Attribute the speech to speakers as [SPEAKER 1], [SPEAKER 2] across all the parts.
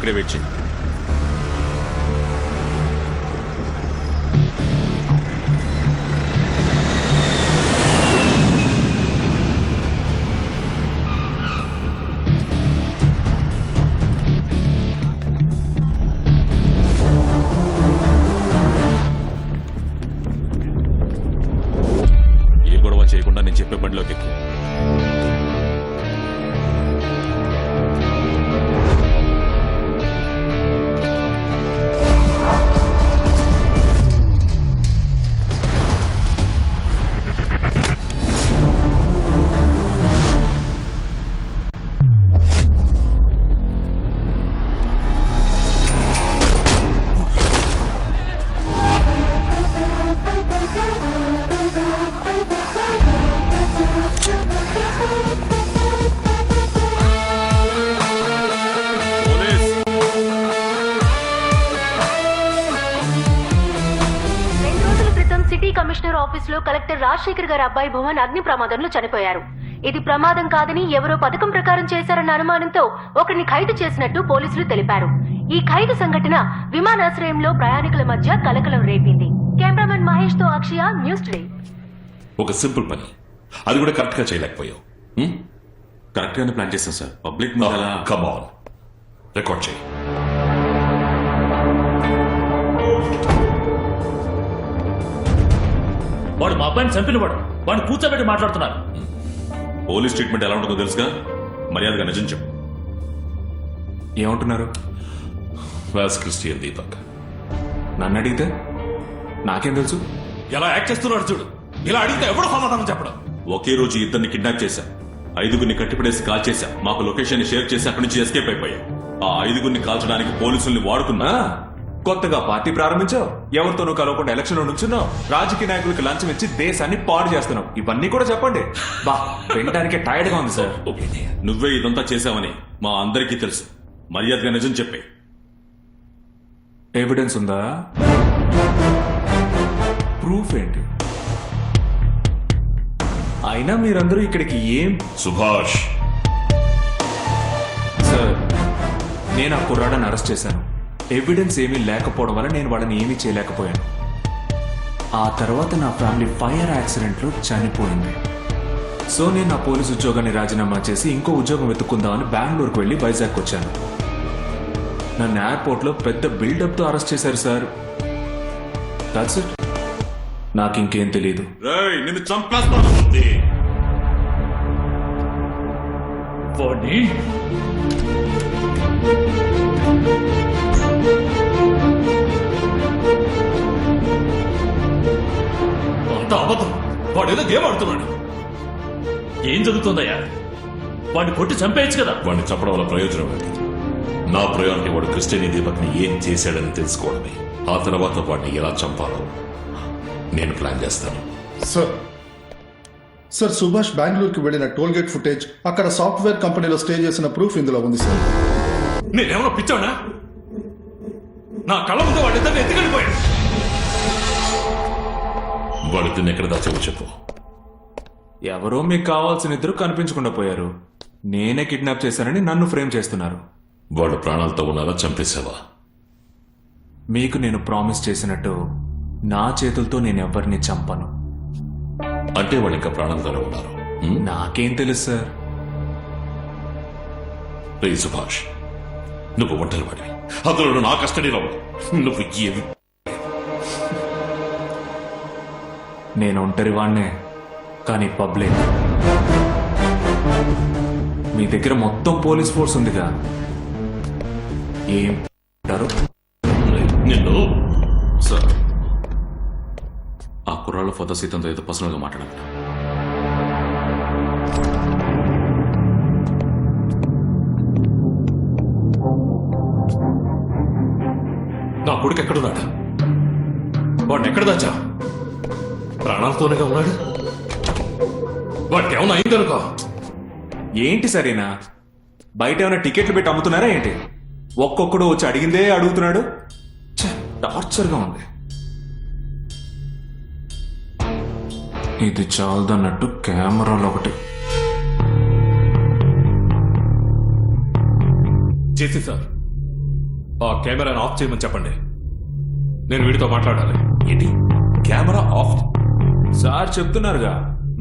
[SPEAKER 1] ఇక్కడే వెయిట్ చేయి. ఏ గొడవ చేయకుండా నేను చెప్పే బండిలోకి ఎక్కు.
[SPEAKER 2] కమిషనర్ ఆఫీస్ లో కలెక్టర్ రాజశేఖర్ గారి అబ్బాయి భువన్ అగ్ని ప్రమాదంలో చనిపోయారు. ఇది ప్రమాదం కాదని ఎవరో పథకం ప్రకారం చేశారన్న అనుమానంతో ఒకరిని ఖైదు చేసినట్టు పోలీసులు తెలిపారు. ఈ ఖైదు సంఘటన విమానాశ్రయంలో ప్రయాణికుల మధ్య కలకలం రేపింది. కెమెరామెన్ మహేష్ తో అక్షయ, న్యూస్ టుడే.
[SPEAKER 3] ఒక సింపుల్ పని, అది కూడా కరెక్ట్ గా చేయలేకపోయావు.
[SPEAKER 1] కరెక్ట్ గానే ప్లాన్ చేశాం sir. Public
[SPEAKER 3] come on, record చేయి.
[SPEAKER 4] వాడు మా అబ్బాయిని చంపిన వాడిని కూర్చోబెట్టి మాట్లాడుతున్నారు.
[SPEAKER 1] పోలీస్ ట్రీట్మెంట్ ఎలా ఉంటుందో తెలుసుగా, మర్యాదగా నిజం చెప్పు.
[SPEAKER 5] ఏమంటున్నారు?
[SPEAKER 3] క్రిస్టియన్ దీపక్.
[SPEAKER 5] నన్ను అడిగితే నాకేం తెలుసు?
[SPEAKER 3] ఎలా యాక్ట్ చేస్తున్నాడు చూడు. ఇలా అడిగితే ఎవడు సమాధానం చెప్పడం?
[SPEAKER 1] ఒకే రోజు ఇద్దరిని కిడ్నాప్ చేశాం, 5గురిని కట్టిపడేసి కాల్ చేశాం, మాకు లొకేషన్ షేర్ చేసి అక్కడి నుంచి ఎస్కేప్ అయిపోయాం. ఆ 5గురిని కాల్చడానికి పోలీసుల్ని వాడుకున్నా.
[SPEAKER 5] కొత్తగా పార్టీ ప్రారంభించావు, ఎవరితోనూ కలవకుండా ఎలక్షన్ లో నుంచున్నావు, రాజకీయ నాయకులకు లంచం ఇచ్చి దేశాన్ని పాడు చేస్తున్నావు. ఇవన్నీ కూడా చెప్పండి. బా, వినడానికే టైర్డ్ గా ఉంది సార్.
[SPEAKER 1] నువ్వే ఇదంతా చేశావని మా అందరికీ తెలుసు. మర్యాదగా నిజం చెప్పే.
[SPEAKER 5] ఎవిడెన్స్ ఉందా? ప్రూఫ్ ఏంటి? అయినా మీరందరూ ఇక్కడికి ఏం?
[SPEAKER 3] సుభాష్
[SPEAKER 5] సార్, నేను ఆ కుర్రాడని అరెస్ట్ చేశాను. ఎవిడెన్స్ ఏమీ లేకపోవడం వల్ల నేను వాళ్ళని ఏమీ చేయలేకపోయాను. ఆ తర్వాత నా ఫ్యామిలీ ఫైర్ యాక్సిడెంట్లో చనిపోయింది. సో నేను నా పోలీసు ఉద్యోగాన్ని రాజీనామా చేసి ఇంకో ఉద్యోగం వెతుక్కుందామని బెంగళూరుకు వెళ్ళి వైజాగ్ వచ్చాను. నన్ను ఎయిర్పోర్ట్లో పెద్ద బిల్డప్తో అరెస్ట్ చేశారు సార్. That's it. నాకు ఇంకేం తెలీదు.
[SPEAKER 1] నిన్ను చంపేస్తాను.
[SPEAKER 4] వాడిని అంత అబద్ధం. వాడు ఏదో గేమ్ ఆడుతున్నాడు. ఏం జరుగుతుందయ్యా? వాడిని కొట్టి చంపేయచ్చు కదా.
[SPEAKER 3] వాడిని చంపడం వల్ల ప్రయోజనం ఏంటి? నా ప్రయారిటీ వాడు క్రిస్టియన్ దీపక్ ని ఏం చేశాడని తెలుసుకోవడమే. ఆ తర్వాత వాడిని ఎలా చంపాలో నేను ప్లాన్ చేస్తాను.
[SPEAKER 6] సార్ సుభాష్ బెంగళూరుకి వెళ్లిన టోల్ గేట్ ఫుటేజ్, అక్కడ సాఫ్ట్వేర్ కంపెనీలో స్టే చేసిన ప్రూఫ్ ఇందులో ఉంది సార్.
[SPEAKER 3] నేనేమన్నా పిచ్చానా? నా కళ్ళ ముందు వాడిద్దరిని ఎత్తుకెళ్ళిపోయాడు. వాడిద్దరిని ఎక్కడ దాచావో చెప్పు.
[SPEAKER 5] ఎవరో మీకు కావాల్సిన ఇద్దరు కనిపించకుండా పోయారు. నేనే కిడ్నాప్ చేశానని నన్ను ఫ్రేమ్ చేస్తున్నారు.
[SPEAKER 3] వాడు ప్రాణాలతో ఉన్నారా? చంపేశావా?
[SPEAKER 5] మీకు నేను ప్రామిస్ చేసినట్టు నా చేతులతో నేను ఎవరిని చంపను.
[SPEAKER 3] అంటే వాళ్ళు ఇంకా ప్రాణాలతోనే ఉన్నారు.
[SPEAKER 5] నాకేం తెలుసు సార్.
[SPEAKER 3] రే సుభాష్, నువ్వు ఒంటరి వాడివి, అందులో నా కస్టడీలో నువ్వు ఏవి.
[SPEAKER 5] నేను ఒంటరి వాడినే, కానీ పబ్లిక్. మీ దగ్గర మొత్తం పోలీస్ ఫోర్స్ ఉందిగా, ఏం అంటారు?
[SPEAKER 3] నిన్ను
[SPEAKER 1] సార్, ఆ కుర్రాళ్ళ ఫోటో సీతంతో ఏదో పర్సనల్ గా మాట్లాడాలి.
[SPEAKER 3] నా కొడుకు ఎక్కడున్నాడు? వాడిని ఎక్కడ దాచా? ప్రాణాలతోనేగా ఉన్నాడు. వాడికి ఏమన్నా అయిందనుకో.
[SPEAKER 5] ఏంటి సరేనా? బయట ఏమైనా టికెట్లు పెట్టి అమ్ముతున్నారా ఏంటి? ఒక్కొక్కడు వచ్చి అడిగిందే అడుగుతున్నాడు. టార్చర్గా ఉంది. ఇది చాలదన్నట్టు కెమెరాలో ఒకటి
[SPEAKER 3] చేసి సార్,
[SPEAKER 4] ఆ కెమెరాను ఆఫ్ చేయమని చెప్పండి. నేను వీడితో మాట్లాడాలి.
[SPEAKER 3] ఏంటి కెమెరా ఆఫ్?
[SPEAKER 5] సార్ చెప్తున్నారుగా.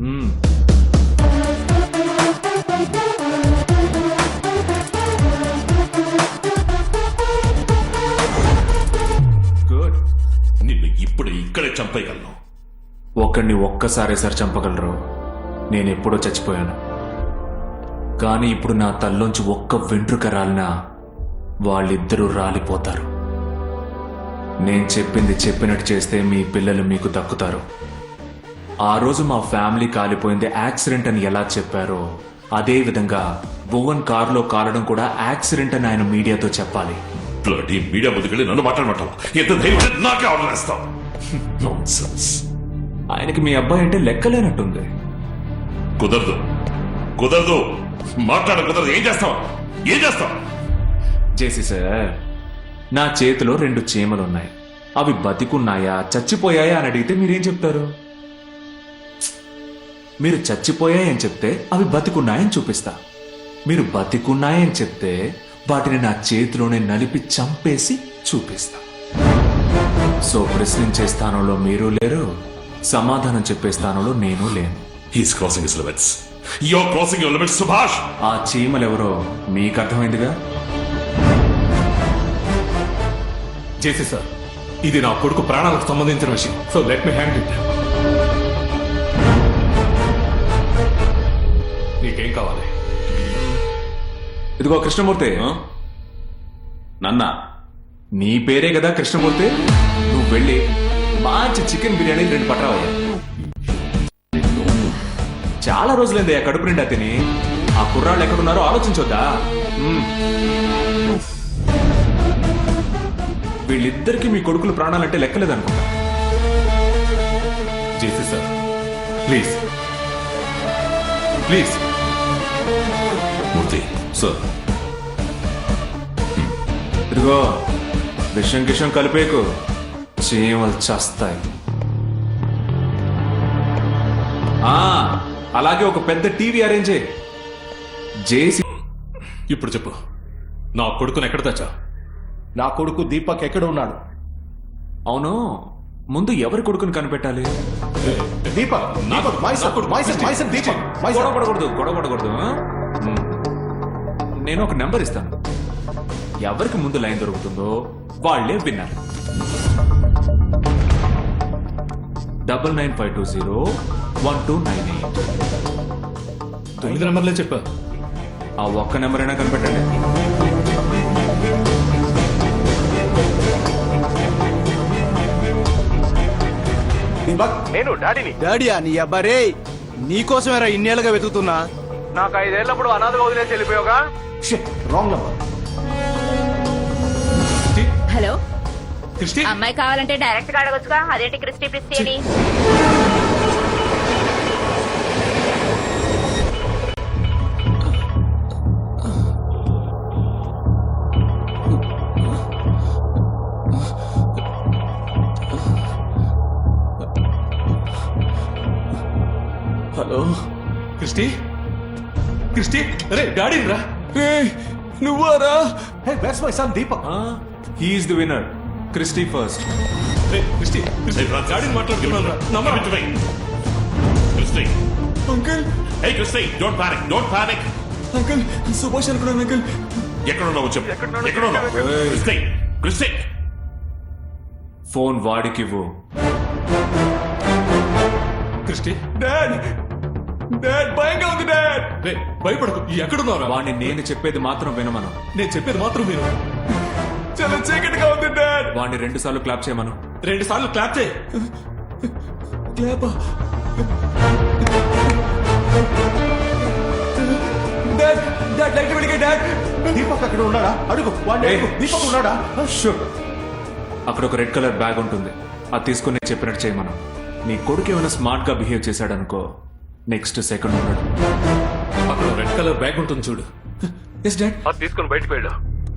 [SPEAKER 5] గుడ్.
[SPEAKER 3] నిన్ను ఇప్పుడు ఇక్కడే చంపేయగలను.
[SPEAKER 5] ఒకడిని ఒక్కసారే సార్ చంపగలరు. నేను ఎప్పుడో చచ్చిపోయాను. కానీ ఇప్పుడు నా తల్లోంచి ఒక్క వెంట్రుక రాలినా వాళ్ళిద్దరూ రాలిపోతారు. నేను చెప్పింది చెప్పినట్టు చేస్తే మీ పిల్లలు మీకు దక్కుతారు. ఆ రోజు మా ఫ్యామిలీ కాలిపోయింది యాక్సిడెంట్ అని ఎలా చెప్పారో అదే విధంగా భువన్ కారులో కాలడం కూడా యాక్సిడెంట్ అని ఆయన మీడియాతో చెప్పాలి.
[SPEAKER 3] బ్లడీ మీడియా ముందుకెళ్ళి నన్ను మాట్లాడమంటావా? ఎంత ధైర్యం నాకే ఆర్డర్ వేస్తావు? నాన్సెన్స్.
[SPEAKER 5] ఆయనకి మీ అబ్బాయి అంటే లెక్కలేనట్టుంది.
[SPEAKER 3] కుదరదు, కుదరదు, మాట్లాడ కుదరదు. ఏం చేస్తావు? ఏం చేస్తావు?
[SPEAKER 5] జేసీ సార్, నా చేతిలో 2 చీమలున్నాయి. అవి బతికున్నాయా చచ్చిపోయాయా అని అడిగితే మీరేం చెప్తారు? మీరు చచ్చిపోయాయని చెప్తే అవి బతికున్నాయని చూపిస్తా. మీరు బతికున్నాయని చెప్తే వాటిని నా చేతిలోనే నలిపి చంపేసి చూపిస్తా. సో ప్రశ్నించే స్థానంలో మీరు లేరు, సమాధానం చెప్పే స్థానంలో నేను లేను.
[SPEAKER 3] He's crossing his limits. Your crossing your limits Subhash.
[SPEAKER 5] ఆ చీమలెవరో మీకు అర్థమైందిగా.
[SPEAKER 4] జేసీ సార్, ఇది నా కొడుకు ప్రాణాలకు సంబంధించిన విషయం. So let me hand it. నీకేం కావాలి?
[SPEAKER 5] ఇదిగో కృష్ణమూర్తి,
[SPEAKER 1] నన్నా
[SPEAKER 5] నీ పేరే కదా కృష్ణమూర్తి. నువ్వు వెళ్ళి మంచి చికెన్ బిర్యానీ 2 పట్టరావయ్యా. చాలా రోజులైంది ఆ కడుపు నిండా తిని. ఆ కుర్రాళ్ళు ఎక్కడున్నారో ఆలోచించొద్దా? వీళ్ళిద్దరికి మీ కొడుకులు ప్రాణాలంటే లెక్కలేదనుకుంటా.
[SPEAKER 4] JC sir, please please.
[SPEAKER 3] Murthy
[SPEAKER 1] sir,
[SPEAKER 5] ఇదిగో విషం గిషం కలిపేకు, చీమలు చేస్తాయి. అలాగే ఒక పెద్ద టీవీ అరేంజ్ చేయి. జేసీ,
[SPEAKER 4] ఇప్పుడు చెప్పు, నా కొడుకుని ఎక్కడ తెచ్చా?
[SPEAKER 7] నా కొడుకు దీపక్ ఎక్కడ ఉన్నాడు?
[SPEAKER 5] అవును, ముందు ఎవరి కొడుకుని కనిపెట్టాలి?
[SPEAKER 7] దీపక్, దీపక్, మైసన్ దీపక్,
[SPEAKER 5] గొడవపడకూడదు. నేను ఒక నెంబర్ ఇస్తాను. ఎవరికి ముందు లైన్ దొరుకుతుందో వాళ్ళే విన్నారు. 9952012998.
[SPEAKER 4] 9 నెంబర్లే చెప్పా.
[SPEAKER 5] ఆ ఒక్క నెంబర్ అయినా కనిపెట్టండి.
[SPEAKER 7] దీపక్,
[SPEAKER 8] నేను డాడీని.
[SPEAKER 7] డాడీయా? నీ అబ్బారే, నీకోసమేరా ఇన్నేళ్ళుగా వెతుకుతున్నా.
[SPEAKER 8] నాకు 5 ఏళ్లప్పుడు అనాథగా వదిలేసి వెళ్ళిపోయావుగా.
[SPEAKER 7] Wrong number.
[SPEAKER 9] హలో,
[SPEAKER 4] క్రిస్టి,
[SPEAKER 9] అమ్మాయి కావాలంటే డైరెక్ట్ గా అడగొచ్చుగా. అదేంటి క్రిస్టి ప్రిస్టి అని?
[SPEAKER 5] హలో
[SPEAKER 4] క్రిస్టి, క్రిస్టి, అరే డాడీ రా.
[SPEAKER 5] నువ్వారా?
[SPEAKER 7] Hey, where's my son Deepak?
[SPEAKER 5] He's the winner. Christy first.
[SPEAKER 4] రే క్రిస్టి, క్రిస్టి, డాడీని మాట్లాడుతున్నాను రా. Number
[SPEAKER 3] Christy,
[SPEAKER 5] uncle,
[SPEAKER 3] hey Christy, don't panic, don't panic.
[SPEAKER 5] Uncle, Subhash అనుకున్నాను అంకుల్.
[SPEAKER 3] ఎక్కడున్నావు చెప్పు. ఎక్కడున్నావు? Christy, Christy.
[SPEAKER 5] ఫోన్ వాడికివ్వు.
[SPEAKER 4] క్రిస్టి,
[SPEAKER 5] డాడ్, డాడ్ భయంగా ఉంది డాడ్.
[SPEAKER 4] రే భయపడకు. ఎక్కడున్నారా?
[SPEAKER 5] వాడిని నేను చెప్పేది మాత్రం వినమను.
[SPEAKER 4] నేను చెప్పేది మాత్రం మీరు.
[SPEAKER 5] చాలా చీకటిగా ఉంది డాడ్. వాడిని 2 సార్లు క్లాప్ చేయమను.
[SPEAKER 4] 2 సార్లు క్లాప్ చేయి.
[SPEAKER 5] క్లాప్. డాడ్, డాడ్ లైట్ వెలిగే డాడ్.
[SPEAKER 7] దీపక్ అక్కడ ఉన్నాడా? అడుగు వాడిని అడుగు. దీపక్ ఉన్నాడా?
[SPEAKER 5] షూర్. అక్కడ ఒక రెడ్ కలర్ బ్యాగ్ ఉంటుంది. అది తీసుకుని నేను చెప్పినట్టు చేయమను. నీ కొడుకు ఏమైనా స్మార్ట్ గా బిహేవ్ చేశాడనుకో, నెక్స్ట్ సెకండ్ ఉన్నాడు.
[SPEAKER 4] అక్కడ రెడ్ కలర్ బ్యాగ్ ఉంటుంది చూడు.
[SPEAKER 5] Yes dad.
[SPEAKER 8] అది తీసుకుని బయటకు వెళ్ళు.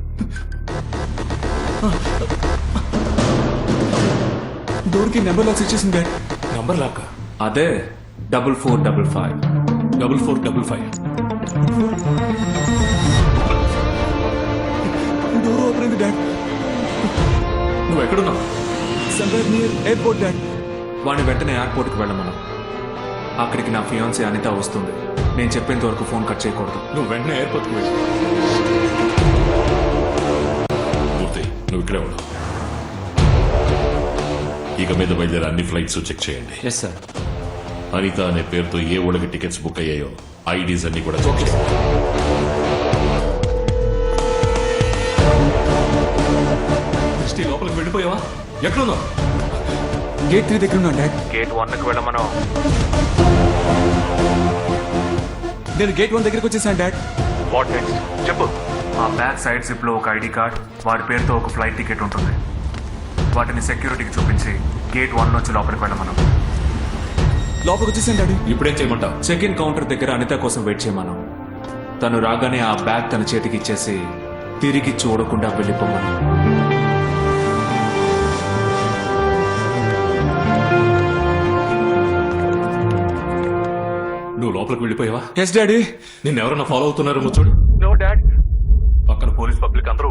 [SPEAKER 5] డోర్ కి నెంబర్ లాక్స్ ఇచ్చేసింది డాడ్.
[SPEAKER 4] నంబర్ లాక్క.
[SPEAKER 5] అదే 4455.
[SPEAKER 4] 4455.
[SPEAKER 5] డోర్ ఓపెన్ అయింది డాడ్.
[SPEAKER 4] నువ్వు ఎక్కడున్నావు?
[SPEAKER 5] Somewhere near airport dad. వాడిని వెంటనే ఎయిర్పోర్ట్కి వెళ్ళమను. అక్కడికి నా ఫియాన్సీ అనిత వస్తుంది. నేను చెప్పేంత వరకు ఫోన్ కట్ చేయకూడదు.
[SPEAKER 4] నువ్వు వెంటనే ఎయిర్పోర్ట్కి వెళ్ళి
[SPEAKER 3] మూర్తి నువ్వు ఇక్కడే ఉండవు. ఇక మీద బయలుదేరే అన్ని ఫ్లైట్స్ చెక్ చేయండి.
[SPEAKER 5] Yes sir.
[SPEAKER 3] అనిత అనే పేరుతో ఏ ఊళ్ళకి టికెట్స్ బుక్ అయ్యాయో ఐడీస్ అన్ని కూడా చెక్ చేయండి.
[SPEAKER 4] క్రిస్టి లోపలికి వెళ్ళిపోయావా? ఎక్కడున్నావు?
[SPEAKER 5] గేట్ 3 దగ్గర ఉన్నాను డాడ్.
[SPEAKER 8] గేట్ 1 కి వెళ్ళమను.
[SPEAKER 5] నేను గేట్ 1 దగ్గరికి వచ్చేసాను డాడ్.
[SPEAKER 8] వాట్ నెక్స్ట్ చెప్పు.
[SPEAKER 5] ఆ బ్యాక్ సైడ్ జిప్ లో ఒక ఐడి కార్డ్, వాడి పేరుతో ఒక ఫ్లైట్ టికెట్ ఉంటుంది. వాటిని సెక్యూరిటీకి చూపించి గేట్ 1 నుంచి లోపలికి వెళ్ళమను. లోపలికి వచ్చేసాను డాడీ.
[SPEAKER 4] ఇప్పుడేం చేయమంటావు?
[SPEAKER 5] చెక్ ఇన్ కౌంటర్ దగ్గర అనిత కోసం వెయిట్ చేయమను. తను రాగానే ఆ బ్యాగ్ తన చేతికి ఇచ్చేసి తిరిగి చూడకుండా వెళ్ళిపోమను.
[SPEAKER 4] నువ్వు లోపలికి వెళ్ళిపోయావా?
[SPEAKER 5] Yes daddy.
[SPEAKER 4] నిన్ను ఎవరన్నా ఫాలో అవుతున్నారేమో చూడు.
[SPEAKER 8] No dad.
[SPEAKER 4] పక్కన పోలీస్ పబ్లిక్ అందరూ